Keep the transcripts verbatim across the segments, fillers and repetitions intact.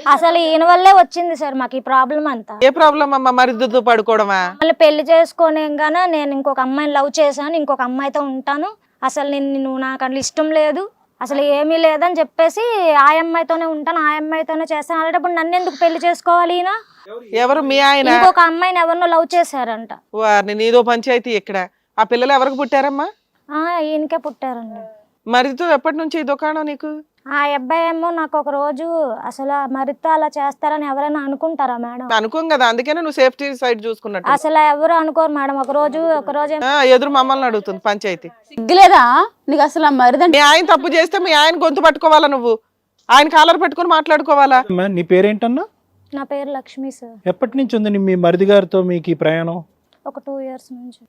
అసలు ఈయన వల్లే వచ్చింది సార్ మాకు ఈ ప్రాబ్లం అంతా. ఏ ప్రాబ్లం అమ్మా? మరిదితో పడుకోవడమా? మళ్ళీ పెళ్లి చేసుకోనేగానే నేను ఇంకొక అమ్మాయిని లవ్ చేశాను, ఇంకొక అమ్మాయితో ఉంటాను, అసలు నేను నువ్వు నాకు అట్లా ఇష్టం లేదు, అసలు ఏమీ లేదని చెప్పేసి ఆ అమ్మాయితోనే ఉంటాను, ఆ అమ్మాయితోనే చేస్తాను. అలాంటప్పుడు నన్ను ఎందుకు పెళ్లి చేసుకోవాలి ఈయన? ఎవరు మీ ఆయన? ఇంకొక అమ్మాయిని ఎవరినో లవ్ చేశారంట. వారిని నీదో పంచాయతీ ఇక్కడ. ఆ పిల్లలు ఎవరికి పుట్టారమ్మా? ఆ ఈయనకే పుట్టారండి. మరిదితో ఎప్పటి నుంచి ఈ దుకాణం నీకు? ఆ అబ్బాయి ఏమో నాకు ఒక రోజు అసలు మరితో అలా చేస్తారని ఎవరైనా అనుకుంటారా మేడం? అనుకోం కదా, అందుకనే నువ్వు సేఫ్టీ సైడ్ చూసుకున్నట్టు. అసలు ఎవరు అనుకోరు మేడం. ఒక రోజు ఒక రోజు ఆ, ఎదురు మమ్మల్ని అడుగుతుంది పంచాయతీ. సిగ్గులేదా నీకు అసలు? ఆ మరిదంటే మీ ఆయన తప్పు చేస్తే మీ ఆయన గొంతు పట్టుకోవాలా నువ్వు? ఆయన కాలర్ పెట్టుకుని మాట్లాడుకోవాలా? అమ్మా, నీ పేరేంటన్నా? నా పేరు లక్ష్మి సార్. ఎప్పటి నుంచి ఉంది నీ- మీ మరిది గారితో మీకు ఈ ప్రయాణం? ఒక టూ ఇయర్స్ నుంచి.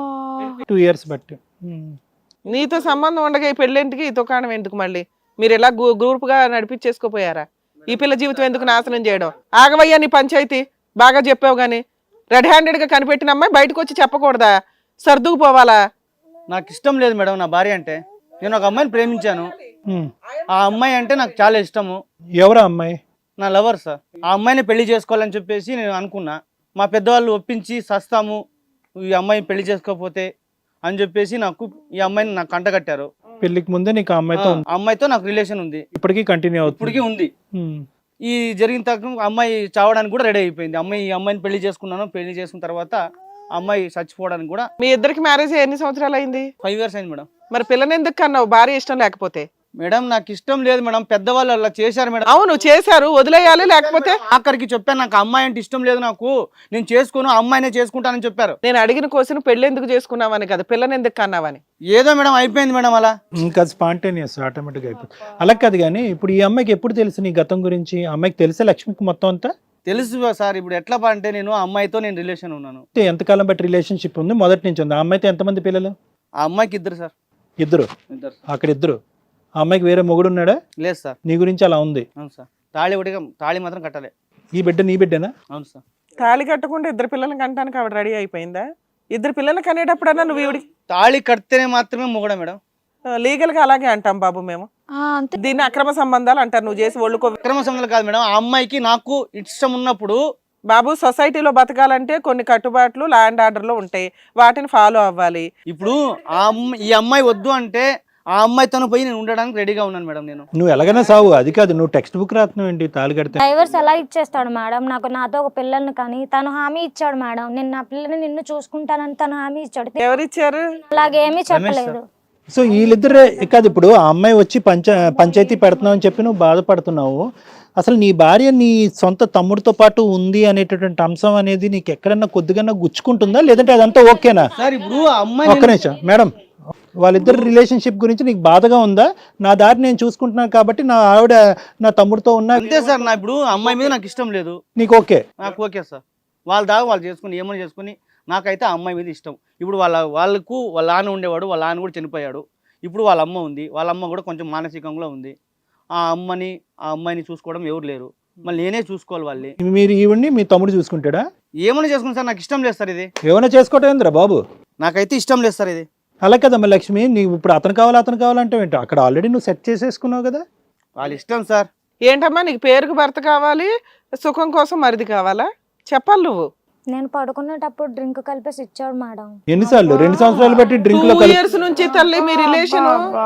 టూ ఇయర్స్ బట్టి. ఉమ్. నీతో సంబంధం ఉండగా ఈ పెళ్ళేంటికి, ఈ దుకాణం ఎందుకు? మళ్ళీ మీరు ఎలా గ్రూప్ గా నడిపించేసుకోపోయారా? ఈ పిల్ల జీవితం ఎందుకు నాశనం చేయడం? ఆగవయ్యా నీ పంచాయతీ. బాగా చెప్పావు గానీ రెడ్ హ్యాండెడ్ గా కనిపెట్టిన అమ్మాయి బయటకు వచ్చి చెప్పకూడదా? సర్దుకు పోవాలా? నాకు ఇష్టం లేదు మేడం నా భార్య అంటే. నేను ఒక అమ్మాయిని ప్రేమించాను. ఉమ్. ఆ అమ్మాయి అంటే నాకు చాలా ఇష్టము. ఎవరా అమ్మాయి? నా లవర్ సార్. ఆ అమ్మాయిని పెళ్లి చేసుకోవాలని చెప్పేసి నేను అనుకున్నా. మా పెద్దవాళ్ళు ఒప్పించి సస్తాము ఈ అమ్మాయిని పెళ్లి చేసుకోకపోతే అని చెప్పేసి నాకు ఈ అమ్మాయిని నాకు కంటగట్టారు. పెళ్లికి ముందే నీకు ఆ అమ్మాయితో ఆ అమ్మాయితో నాకు రిలేషన్ ఉంది, ఇప్పటికీ కంటిన్యూ అవుతుంది? ఇప్పటికీ ఉంది. ఉమ్. ఈ జరిగిన తర్వాత అమ్మాయి చావడానికి కూడా రెడీ అయిపోయింది. అమ్మాయి ఈ అమ్మాయిని పెళ్లి చేసుకున్నాను. పెళ్లి చేసుకున్న తర్వాత అమ్మాయి చచ్చిపోవడానికి కూడా. మీ ఇద్దరికి మ్యారేజ్ ఎన్ని సంవత్సరాలు అయింది? ఫైవ్ ఇయర్స్ అయింది మేడం. మరి పిల్లని ఎందుకు కన్నావు? భార్య ఇష్టం లేకపోతే? మేడం నాకు ఇష్టం లేదు మేడం. పెద్దవాళ్ళు అలా చేశారు మేడం. అవును చేశారు, వదిలేయాలి. లేకపోతే ఆఖరికి చెప్పాను నాకు అమ్మాయి అంటే ఇష్టం లేదు, నాకు నేను చేసుకోను, అమ్మాయినే చేసుకుంటానని చెప్పారు. నేను అడిగిన క్వశ్చన్ పెళ్లి ఎందుకు చేసుకున్నావని కదా, పిల్లని ఎందుకు కన్నావని. ఏదో మేడం అయిపోయింది మేడం అలా. ఇంకా స్పాంటేనియస్ ఆటోమేటిక్గా అయిపోతుంది. అలా కాదు కానీ ఇప్పుడు ఈ అమ్మాయికి ఎప్పుడు తెలుసు నీ గతం గురించి? ఆ అమ్మాయికి తెలిసే లక్ష్మికి మొత్తం అంతా? తెలుసు సార్. ఇప్పుడు ఎట్లా అంటే నేను ఆ అమ్మాయితో నేను రిలేషన్ ఉన్నాను. అంటే ఎంతకాలం బట్టి రిలేషన్షిప్ ఉంది? మొదటి నుంచి ఉంది. ఆ అమ్మాయితో ఎంతమంది పిల్లలు? ఆ అమ్మాయికి ఇద్దరు సార్. ఇద్దరు? ఇద్దరు అక్కడ ఇద్దరు. ఆ అమ్మాయికి వేరే మొగుడు ఉన్నాడా? లేదు సార్. నీ గురించి అలా ఉంది? అవును సార్. తాళి ఒకటి తాళి మాత్రం కట్టాలి. ఈ బిడ్డ నీ బిడ్డనా? అవును సార్. తాళి కట్టకుండా ఇద్దరు పిల్లల్ని కంటానికి ఆవిడ రెడీ అయిపోయిందా? ఇద్దరు పిల్లల్ని కనేటప్పుడన్నా నువ్వు ఈవిడి తాళి కడితేనే మాత్రమే మొగడ మేడం. లీగల్ గా అలాగే అంటాం బాబు మేము. దీన్ని అక్రమ సంబంధాలు అంటారు. నువ్వు చేసి ఒళ్ళుకో. అక్రమ సంబంధాలు కాదు మేడం. ఆ అమ్మాయికి నాకు ఇష్టం ఉన్నప్పుడు బాబు సొసైటీలో బతకాలంటే కొన్ని కట్టుబాట్లు ల్యాండ్ ఆర్డర్ లో ఉంటాయి, వాటిని ఫాలో అవ్వాలి. ఇప్పుడు ఆ అమ్మాయి ఈ అమ్మాయి వద్దు అంటే ఆ అమ్మాయితో పోయి నేను ఉండడానికి రెడీగా ఉన్నాను మేడం. నేను నువ్వు ఎలాగైనా సావు, అది కాదు నువ్వు టెక్స్ట్ బుక్ రాస్తున్నావు ఏంటి తాళి కడితే? డైవర్స్ ఎలా ఇచ్చేస్తాడు మేడం? నాకు నాతో ఒక పిల్లల్ని కానీ తను హామీ ఇచ్చాడు మేడం. నేను నా పిల్లని నిన్ను చూసుకుంటానని తను హామీ ఇచ్చాడు. ఎవరిచ్చారు? అలాగేమీ చెప్పలేదు. సో వీళ్ళిద్దరే కాదు. ఇప్పుడు ఆ అమ్మాయి వచ్చి పంచ పంచాయతీ పెడుతున్నావు అని చెప్పి నువ్వు బాధపడుతున్నావు. అసలు నీ భార్య నీ సొంత తమ్ముడితో పాటు ఉంది అనేటటువంటి అంశం అనేది నీకు ఎక్కడన్నా కొద్దిగా గుచ్చుకుంటుందా, లేదంటే అదంతా ఓకేనా? సార్ ఇప్పుడు ఆ అమ్మాయి ఒక్క నిమిషం మేడం, వాళ్ళిద్దరు రిలేషన్షిప్ గురించి నీకు బాధగా ఉందా? నా దారి నేను చూసుకుంటున్నాను కాబట్టి నా ఆవిడ నా తమ్ముడితో ఉన్నా అంతే సార్. నా ఇప్పుడు అమ్మాయి మీద నాకు ఇష్టం లేదు. నీకు ఓకే? నాకు ఓకే సార్. వాళ్ళ దాకా వాళ్ళు చేసుకుని ఏమైనా చేసుకుని నాకైతే ఆ అమ్మాయి మీద ఇష్టం. ఇప్పుడు వాళ్ళ వాళ్ళకు వాళ్ళ నాన్న ఉండేవాడు, వాళ్ళ నాన్న కూడా చనిపోయాడు. ఇప్పుడు వాళ్ళ అమ్మ ఉంది. వాళ్ళ అమ్మ కూడా కొంచెం మానసికంగా ఉంది. ఆ అమ్మని ఆ అమ్మాయిని చూసుకోవడం ఎవరు లేరు. మళ్ళీ నేనే చూసుకోవాలి వాళ్ళని. మీరు ఈవిడ్ని మీ తమ్ముడు చూసుకుంటాడా? ఏమైనా చేసుకుని సార్ నాకు ఇష్టం లేదు సార్. ఇది ఏమైనా చేసుకోవటం ఏందిరా బాబు? నాకైతే ఇష్టం లేదు సార్ ఇది. అలా కదమ్మా లక్ష్మి, నీవు ఇప్పుడు అతను కావాలి అతను కావాలంటే ఏంటి? అక్కడ ఆల్రెడీ నువ్వు సెట్ చేసేసుకున్నావు కదా. వాళ్ళ ఇష్టం సార్. ఏంటమ్మా నీకు పేరుకు భర్త కావాలి, సుఖం కోసం మరిది కావాలా? చెప్పాలి నువ్వు. నేను పడుకునేటప్పుడు డ్రింక్ కలిపేసి ఇచ్చాడు మేడం. ఎన్నిసార్లు? రెండు సంవత్సరాలు బట్టి డ్రింక్ లో టూ ఇయర్స్ నుంచి తల్లి మీ రిలేషన్.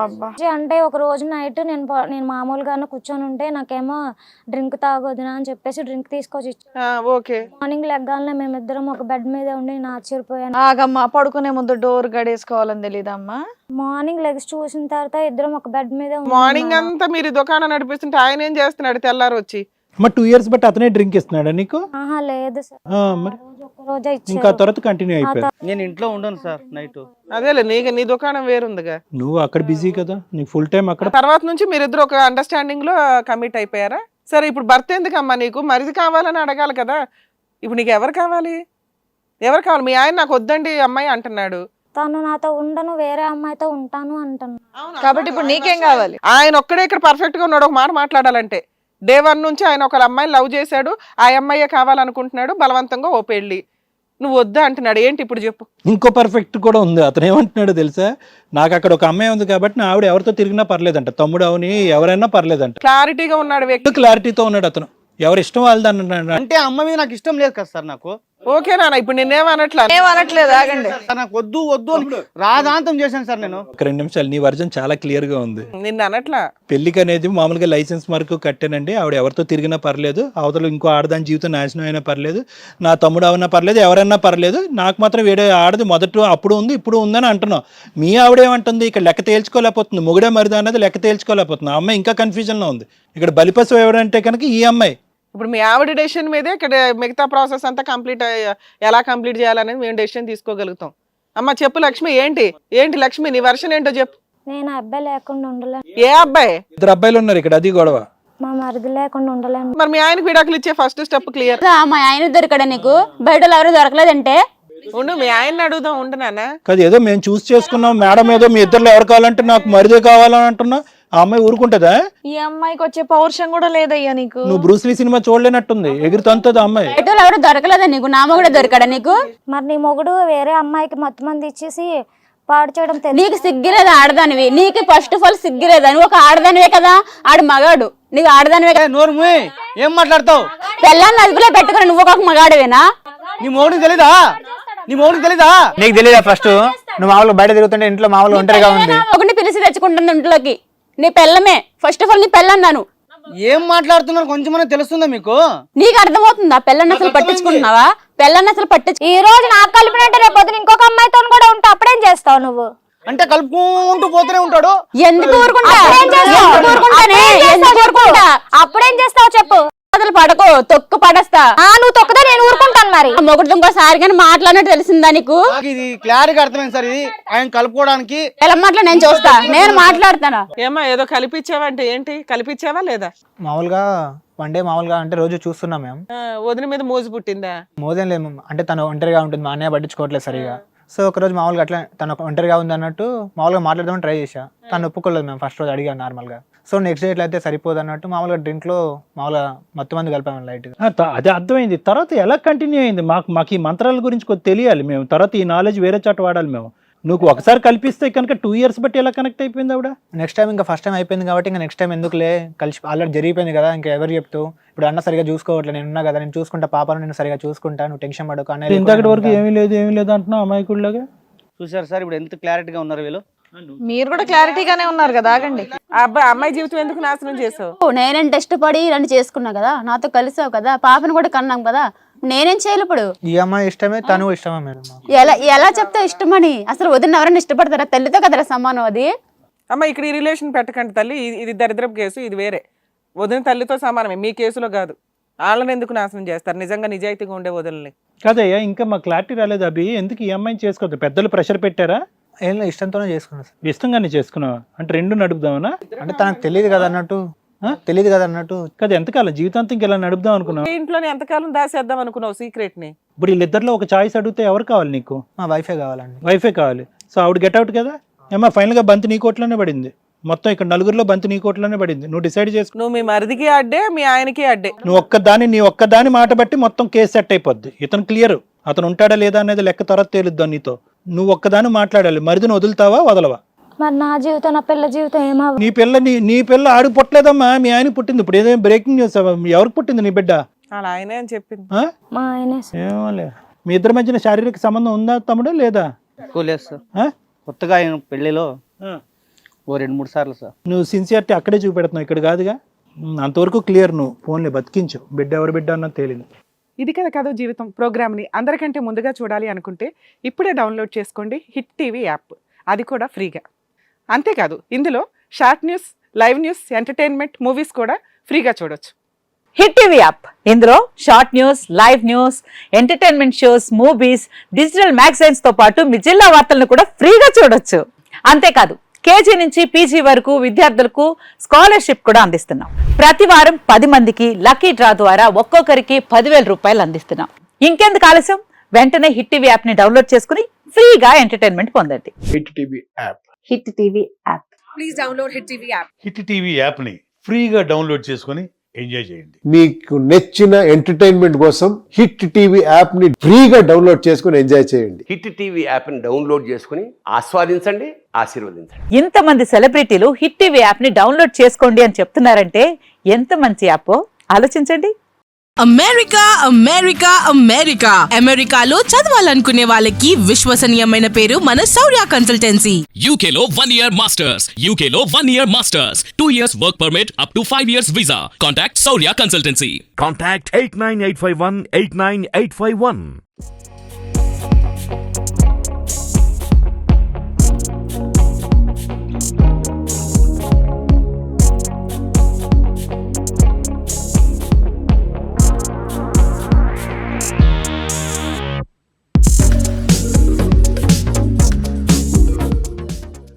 అంటే ఒక రోజు నైట్ నేను ప- నేను మామూలుగానే కూర్చొని ఉంటే నాకేమో డ్రింక్ తాగొద్దునా అని చెప్పేసి డ్రింక్ తీసుకొచ్చి ఇచ్చాడు. ఓకే. మార్నింగ్ లెగ్గానే మేమిద్దరం ఒక బెడ్ మీద ఉండి నేను ఆశ్చర్యపోయాను. ఆగమ్మా, పడుకునే ముందు డోర్ గడేసుకోవాలని తెలీదమ్మా? మార్నింగ్ లెగ్స్ చూసిన తర్వాత ఇద్దరం ఒక బెడ్ మీద ఉన్నాం మార్నింగ్ మేడం. అంతా మీరు దుకాణం నడిపిస్తుంటే ఆయన ఏం చేస్తున్నాడు తెల్లారు వచ్చి? మరి టూ ఇయర్స్ బట్టి అతనే డ్రింక్ ఇస్తున్నాడా నీకు? ఆహా లేదు సార్. ఆ, మరి రోజు ఒక రోజే ఇంకా ఇచ్చాడు. తర్వాత కంటిన్యూ అయిపోయింది. నేను ఇంట్లో ఉండను సార్ నైట్. అదేలే, నీ నీ దుకాణం వేరుందిగా. నువ్వు అక్కడ బిజీ కదా, నీకు ఫుల్ టైం అక్కడ. తర్వాత నుంచి మీరిద్దరు ఒక అండర్స్టాండింగ్ లో కమిట్ అయిపోయారా? సరే ఇప్పుడు భర్త ఎందుకమ్మా నీకు? మరిది కావాలని అడగాలి కదా. ఇప్పుడు నీకు ఎవరు కావాలి? ఎవరు కావాలి? మీ ఆయన నాకు వద్దండి అమ్మాయి అంటున్నాడు. తను నాతో ఉండను, వేరే అమ్మాయితో ఉంటాను అంటున్నాను. కాబట్టి ఇప్పుడు నీకేం కావాలి? ఆయన ఒక్కడే ఇక్కడ పర్ఫెక్ట్ గా ఉన్నాడు ఒక మాట మాట్లాడాలంటే. డే వన్ నుంచి ఆయన ఒక అమ్మాయిని లవ్ చేశాడు, ఆ అమ్మాయి కావాలనుకుంటున్నాడు, బలవంతంగా ఓ పెళ్లి. నువ్వు వద్దా అంటున్నాడు. ఏంటి ఇప్పుడు చెప్పు? ఇంకో పర్ఫెక్ట్ కూడా ఉంది. అతను ఏమంటున్నాడు తెలుసా? నాకు అక్కడ ఒక అమ్మాయి ఉంది కాబట్టి నా ఆవిడ ఎవరితో తిరిగినా పర్లేదంట, తమ్ముడు అవని ఎవరైనా పర్లేదంట. క్లారిటీగా ఉన్నాడు వ్యక్తి. క్లారిటీతో ఉన్నాడు అతను. ఎవరి ఇష్టం వాళ్ళది అన్న అంటే ఆ అమ్మ మీద నాకు ఇష్టం లేదు కదా సార్ నాకు. ఓకే నాన్న, ఇప్పుడు నిన్నేమనట్లా? ఏమనట్లేదు, ఆగండి. సార్ నాకు వద్దు వద్దు అని రాధాంతం చేశాను సార్ నేను. ఒక రెండు నిమిషాలు, నీ వర్జన్ చాలా క్లియర్ గా ఉంది. నిన్ను అనట్లా. పెళ్లికి అనేది మామూలుగా లైసెన్స్ మార్కు కట్టానండి, ఆవిడ ఎవరితో తిరిగినా పర్లేదు, అవతల ఇంకో ఆడదాని జీవితం నాశనం అయినా పర్లేదు, నా తమ్ముడు అవన్నా పర్లేదు, ఎవరన్నా పర్లేదు, నాకు మాత్రం వేరే ఆడది మొదట అప్పుడు ఉంది ఇప్పుడు ఉందని అంటున్నావు. మీ ఆవిడేమంటుంది, ఇక్కడ లెక్క తేల్చుకోలేకపోతుంది, మొగుడే మరిదా అన్నది లెక్క తేల్చుకోలేకపోతుంది. ఆ అమ్మాయి ఇంకా కన్ఫ్యూజన్లో ఉంది. ఇక్కడ బలిపశు ఎవరంటే కనుక ఈ అమ్మాయి. ఇప్పుడు మీ ఆవిడ డెసిషన్ మీదే ఇక్కడ మిగతా ప్రాసెస్ అంతా కంప్లీట్ ఎలా కంప్లీట్ చేయాలనేది మేము డెసిషన్ తీసుకోగలుగుతాం. అమ్మ చెప్పు లక్ష్మి, ఏంటి ఏంటి లక్ష్మి, నీ వర్షన్ ఏంటో చెప్పు. నేను అబ్బాయి లేకుండా ఉండలేను. ఏ అబ్బాయి? ఇద్దరు అబ్బాయిలు ఉన్నారు ఇక్కడ, అది గొడవ. మా మరిది లేకుండా ఉండలేను. మరి మీ ఆయనకి విడాకులు ఇచ్చే ఫస్ట్ స్టెప్ క్లియర్. మా ఆయన దొరికాడా నీకు? బయట ఎవరు దొరకలేదంటే ఉండు, మీ ఆయన అడుగుదాం. ఉండు నాన్న. కాదు, ఏదో మేము చూస్ చేసుకున్నాం మేడం, ఏదో మీ ఇద్దరు ఎవరు కావాలంటే నాకు మరిదే కావాలని అంటున్నా. ఆ అమ్మాయి ఊరుకుంటుందా? ఈ అమ్మాయికి వచ్చే పౌరుషం కూడా లేదయ్యా నీకు. నువ్వు బ్రూస్లీ సినిమా చూడలేనట్టుంది, ఎగురుతంతది ఆ అమ్మాయి. బయట ఎవరు దొరకలేదా నీకు? నా మొగుడే దొరికాడా నీకు? మరి నీ మొగుడు వేరే అమ్మాయికి మొత్తం మంది ఇచ్చేసి పాడు చేయడం తెలియదు. నీకు సిగ్గిలేదా ఆడదానివి? నీకు ఫస్ట్ ఆఫ్ ఆల్ సిగ్గిలేదా? నువ్వు ఒక ఆడదానివే కదా, ఆడు మగాడు, నీకు ఆడదానివే కదా. నోరు మూయ్, ఏం మాట్లాడతావు? పెళ్ళాన్ని అదుపులో పెట్టుకుని నువ్వు ఒక మగాడివేనా? నీ మోడికి తెలీదా? నీ మోడికి తెలీదా? నీకు తెలియదా? ఫస్ట్ నువ్వు మామూలుగా బయట తిరుగుతుంటే ఇంట్లో మామూలుగా ఒంటరిగా ఉంది. ఒకటి పిలిచి తెచ్చుకుంటుంది ఇంట్లోకి. నీ పెళ్ళమే ఫస్ట్ ఆఫ్ ఆల్, నీ పెళ్ళన్నాను. ఏం మాట్లాడుతున్నారు కొంచెమన్నా తెలుస్తుందా మీకు? నీకు అర్థమవుతుందా? పెళ్ళని అసలు పట్టించుకుంటున్నావా? పెళ్ళని అసలు పట్టించు. ఈ రోజు నాకు కలిపినట్టే రేపు పొద్దున ఇంకొక అమ్మాయితో కూడా ఉంటా, అప్పుడేం చేస్తావు నువ్వు? అంటే కలుపుకుంటూ పోతూనే ఉంటాడు. ఎందుకు ఊరుకుంటా? అప్పుడేం చేస్తావు? ఎందుకు ఊరుకుంటానే? ఎందుకు ఊరుకుంటా? అప్పుడేం చేస్తావు చెప్పు. అసలు పడకో, తొక్కు పడేస్తా. ఆ నువ్వు తొక్కుతా, నేను ఊరుకుంటాను. మరి మొగుడు ఇంకోసారి కానీ మాట్లాడినట్టు తెలిసిందా నీకు? నాకు ఇది క్లారిటీ అర్థమైంది సార్. ఇది ఆయన కలుపుకోవడానికి ఎలా మాట్లా నేను చూస్తా, నేను మాట్లాడతాను. ఏమా ఏదో కలిపిచ్చావంటే ఏంటి? కలిపిచ్చావా లేదా? మామూలుగా వన్ డే మామూలుగా అంటే రోజు చూస్తున్నాం మేము. ఆ, వదిన మీద మోజు పుట్టిందా? మోదేం లేదు మ్యామ్. అంటే తను ఒంటరిగా ఉంటుంది, మా అన్నయ్య పట్టించుకోవట్లేదు సరిగా. సో ఒక రోజు మామూలుగా అట్లా తను ఒంటరిగా ఉంది అన్నట్టు మామూలుగా మాట్లాడదామని ట్రై చేశా. తను ఒప్పుకోలేదు మేము ఫస్ట్ రోజు అడిగాను నార్మల్గా. సో నెక్స్ట్ డే ఎట్లయితే సరిపోదు అన్నట్టు మామూలుగా డ్రింక్లో మామూలుగా మొత్తం మంది కలిపాము లైట్గా. ఆ, త- అది అర్థమైంది. తర్వాత ఎలా కంటిన్యూ అయింది? మాకు మాకు ఈ మంత్రాల గురించి కొద్ది తెలియాలి మేము. తర్వాత ఈ నాలెడ్జ్ వేరే చోట వాడాలి మేము. నువ్వు ఒకసారి కల్పిస్తే కనుక టూ ఇయర్స్ బట్టి ఎలా కనెక్ట్ అయిపోయింది ఆవిడ? నెక్స్ట్ టైం ఇంకా ఫస్ట్ టైం అయిపోయింది కాబట్టి ఇంకా నెక్స్ట్ టైం ఎందుకులే, కలిసి ఆల్రెడీ జరిగిపోయింది కదా, ఇంకా ఎవరు చెప్తూ. ఇప్పుడు అన్న సరిగా చూసుకోవట్లేదు, నేను ఉన్నా కదా, నేను చూసుకుంటా, పాపను నేను సరిగా చూసుకుంటా, నువ్వు టెన్షన్ పడకు అన్నయ్య. ఇంతకటి వరకు ఏమీ లేదు ఏమీ లేదు అంటున్నావు అమాయకుడిలాగా. చూసారు సార్ ఇప్పుడు ఎంత క్లారిటీగా ఉన్నారు వీళ్ళు. మీరు కూడా క్లారిటీగానే ఉన్నారు కదా, ఆగండి. ఆ అబ్బాయి అమ్మాయి జీవితం ఎందుకు నాశనం చేసావు? నేనేంటి ఇష్టపడి నన్ను చేసుకున్నా కదా, నాతో కలిసావు కదా, పాపను కూడా కన్నాం కదా, నేనేం చేయాలి ఇప్పుడు? ఈ అమ్మాయి ఇష్టమే, తను ఇష్టమే మేడం మాకు. ఎలా ఎలా చెప్తా ఇష్టమని? అసలు వదిన ఎవరైనా ఇష్టపడతారా? తల్లితో కదరా సమానం అది. అమ్మ ఇక్కడ ఈ రిలేషన్ పెట్టకండి తల్లి, ఇది- ఇది దరిద్రపు కేసు, ఇది వేరే. వదిన తల్లితో సమానమే, మీ కేసులో కాదు. వాళ్ళని ఎందుకు నాశనం చేస్తారు? నిజంగా నిజాయితీగా ఉండే వదిలిని కాదయ్యా, ఇంకా మా క్లారిటీ రాలేదు. అభి ఎందుకు ఈ అమ్మాయిని చేసుకోవద్దు? పెద్దలు ప్రెషర్ పెట్టారా? ఏం లేదు, ఇష్టంతోనే చేసుకున్నాను సార్. ఇష్టంగానే చేసుకున్నావా? అంటే రెండు నడుపుదామనా? అంటే తనకు తెలియదు కదా అన్నట్టు, తెలియదు కదా అన్నట్టు. కదా ఎంతకాలం జీవితాంతం ఇంక ఇలా నడుపుదాం అనుకున్నావు? ఈ ఇంట్లోనే ఎంతకాలం దాసేద్దాం అనుకున్నావు సీక్రెట్ ని? ఇప్పుడు వీళ్ళిద్దరిలో ఒక చాయిస్ అడిగితే ఎవరు కావాలి నీకు? మా వైఫే కావాలండి. వైఫే కావాలి. సో ఆవిడ గెట్ అవుట్ కదా. ఏమా ఫైనల్ గా బంతి నీ కోట్లోనే పడింది. మొత్తం ఇక్కడ నలుగురిలో బంతి నీ కోట్లోనే పడింది. నువ్వు డిసైడ్ చేసుకున్నావు. నువ్వు మీ మరిదికి అడ్డే, మీ ఆయనకి అడ్డే. నువ్వు ఒక్కదాని నీ ఒక్కదాని మాట బట్టి మొత్తం కేసు సెట్ అయిపోద్ది. ఇతను క్లియర్, అతను ఉంటాడా లేదా అనేది లెక్క తర్వాత తేలుద్దాం నీతో. నువ్వు ఒక్కదాని మాట్లాడాలి. మరిదిని వదులుతావా వదలవా? మరి నా జీవితం నా పిల్ల జీవితం ఏమవ్వ? నీ పిల్ల నీ నీ పిల్ల ఆడు పుట్టలేదమ్మా, మీ ఆయన పుట్టింది. ఇప్పుడు ఏదైనా బ్రేకింగ్ న్యూస్. ఎవరికి పుట్టింది నీ బిడ్డ? అలా ఆయనే అని చెప్పింది. ఆ? మా ఆయనే. ఏమోలే. మీ ఇద్దరి మధ్యన శారీరక సంబంధం ఉందా తమ్ముడు లేదా? ఎక్కువ లేదు సార్. ఆ? కొత్తగా ఆయన పెళ్లిలో ఆ. ఓ రెండు మూడు సార్లు సార్. నువ్వు సిన్సియారిటీ అక్కడే చూపెడుతున్నావు, ఇక్కడ కాదుగా. ఉమ్, అంతవరకు క్లియర్. నువ్వు ఫోన్లే బతికించు. బిడ్డ ఎవరి బిడ్డ అన్నది తేలింది. ఇది కదా కథ జీవితం ప్రోగ్రామ్ని అందరికంటే ముందుగా చూడాలి అనుకుంటే ఇప్పుడే డౌన్లోడ్ చేసుకోండి హిట్ టీవీ యాప్, అది కూడా ఫ్రీగా. అంతేకాదు ఇందులో short news, live news, entertainment, movies కూడా ఫ్రీగా చూడొచ్చు. హిట్ టీవీ యాప్ ఇందులో short news, live news, entertainment shows, movies, digital magazines తో పాటు మీ జిల్లా వార్తలను కూడా ఫ్రీగా చూడొచ్చు. అంతేకాదు కేజీ నుంచి పీజీ వరకు విద్యార్థులకు స్కాలర్షిప్ కూడా అందిస్తున్నాం. ప్రతి వారం పది మందికి లక్కీ డ్రా ద్వారా ఒక్కొక్కరికి పదివేల రూపాయలు అందిస్తున్నాం. ఇంకెందుకు ఆలస్యం? వెంటనే హిట్ టీవీ యాప్ ని డౌన్లోడ్ చేసుకుని ఫ్రీగా ఎంటర్టైన్మెంట్ పొందండి. Hit TV app. Hit TV app. Please download hit TV app. Hit TV యాప్ని ఫ్రీగా డౌన్లోడ్ చేసుకొని ఎంజాయ్ చేయండి. మీకు నచ్చిన ఎంటర్టైన్మెంట్ కోసం హిట్ టీవీ యాప్ ని ఫ్రీగా డౌన్లోడ్ చేసుకుని ఎంజాయ్ చేయండి. హిట్ టీవీ యాప్ని డౌన్లోడ్ చేసుకుని ఆస్వాదించండి, ఆశీర్వదించండి. ఇంతమంది సెలబ్రిటీలు హిట్ టీవీ యాప్ ని డౌన్లోడ్ చేసుకోండి అని చెప్తున్నారంటే ఎంత మంచి యాప్ ఆలోచించండి. అమెరికా అమెరికా అమెరికా అమెరికాలో చదవాలనుకునే వాళ్ళకి విశ్వసనీయమైన పేరు మన శౌర్య కన్సల్టెన్సీ. యూకేలో వన్ ఇయర్ మాస్టర్స్ యూకేలో one year masters two years work permit up to five years visa. Contact Shaurya consultancy. Contact eight nine eight five one eight nine eight five one.